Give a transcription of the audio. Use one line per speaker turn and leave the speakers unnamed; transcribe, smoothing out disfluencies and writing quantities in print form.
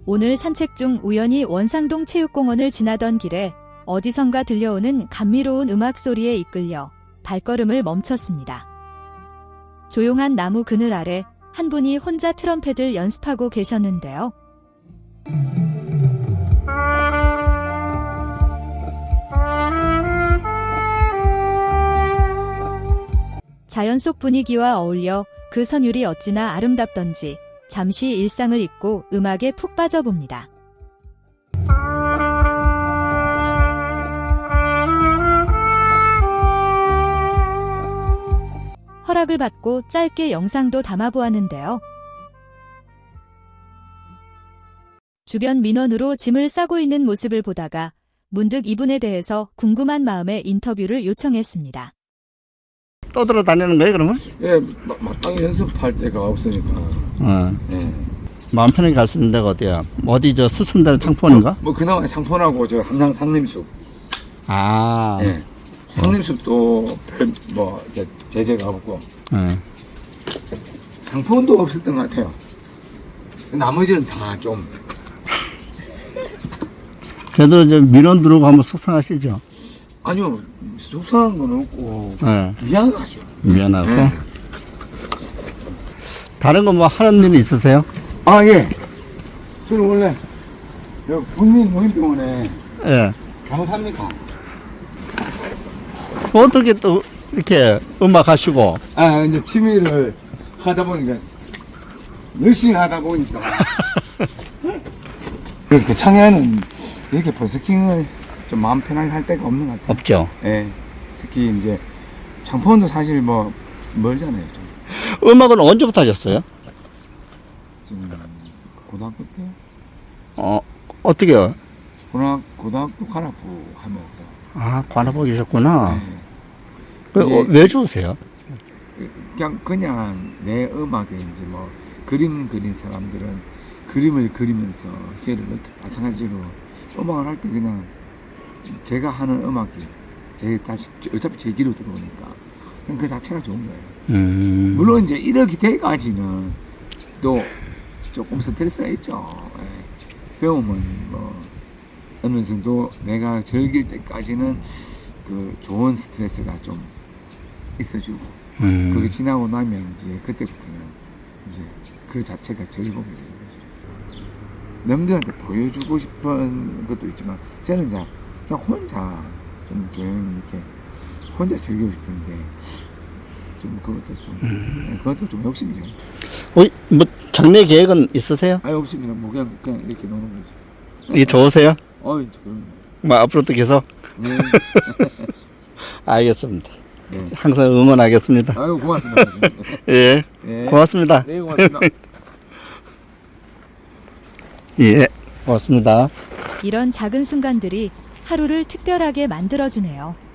오늘 산책 중 우연히 원상동 체육공원을 지나던 길에 어디선가 들려오는 감미로운 음악 소리에 이끌려 발걸음을 멈췄습니다. 조용한 나무 그늘 아래 한 분이 혼자 트럼펫을 연습하고 계셨는데요. 자연 속 분위기와 어울려 그 선율이 어찌나 아름답던지 잠시 일상을 잊고 음악에 푹 빠져봅니다. 허락을 받고 짧게 영상도 담아보았는데요. 주변 민원으로 짐을 싸고 있는 모습을 보다가 문득 이분에 대해서 궁금한 마음에 인터뷰를 요청했습니다.
떠돌아다니는 거예요, 그러면?
예, 마땅히 연습할 데가 없으니까. 예.
마음 편하게 갈 수 있는 데가 어디야? 어디 저 수천단 창포인가?
뭐 그나마 창포하고 저 함양 상림숲.
아,
예. 상림숲도 뭐 이렇게 제재가 없고
예.
창포도 없었던 것 같아요. 나머지는 다 좀.
그래도 이제 민원 들어오고 하면 속상하시죠?
아니요, 속상한 건 없고
예.
미안하죠.
미안하고.
예.
다른 거 뭐 하는 일 있으세요?
아 예. 저는 원래 국민노인병원에
예.
간호사입니다.
어떻게 또 이렇게 음악 하시고?
아 이제 취미를 하다 보니까 열심히 하다 보니까 그 창에는 이렇게 버스킹을 좀 마음 편하게 할 데가 없는 것 같아요.
없죠.
예. 특히 이제 장포원도 사실 뭐 멀잖아요. 좀.
음악은 언제부터 하셨어요?
지금 고등학교 때
어떻게요?
고등학교 관악부 하면서.
아, 관아보 계셨구나.
예.
그,
예.
왜 좋으세요?
그냥 내 음악에 이제 뭐 그림 그린 사람들은 그림을 그리면서 시를 넣듯 마찬가지로 음악을 할 때 그냥 제가 하는 음악이 어차피 제 귀로 들어오니까 그냥 그 자체가 좋은 거예요. 물론 이제 이렇게 돼가지는 또 조금 스트레스가 있죠. 예. 배우면 뭐 어느 정도 내가 즐길 때까지는 그 좋은 스트레스가 좀 있어주고 그게 지나고 나면 이제 그때부터는 이제 그 자체가 즐거움이 되는 거죠. 남들한테 보여주고 싶은 것도 있지만 저는 이제 그냥 혼자 좀 조용히 이렇게 혼자 즐기고 싶은데 좀 그것도 좀 욕심이죠.
뭐 장래 계획은 있으세요?
아 욕심이나 뭐 그냥 이렇게 노는 거죠.
이게 좋으세요?
어이 그럼.
뭐 앞으로도 계속?
네.
알겠습니다.
네.
항상 응원하겠습니다.
아유 고맙습니다.
예,
네.
고맙습니다.
네 고맙습니다.
예, 고맙습니다.
이런 작은 순간들이 하루를 특별하게 만들어주네요.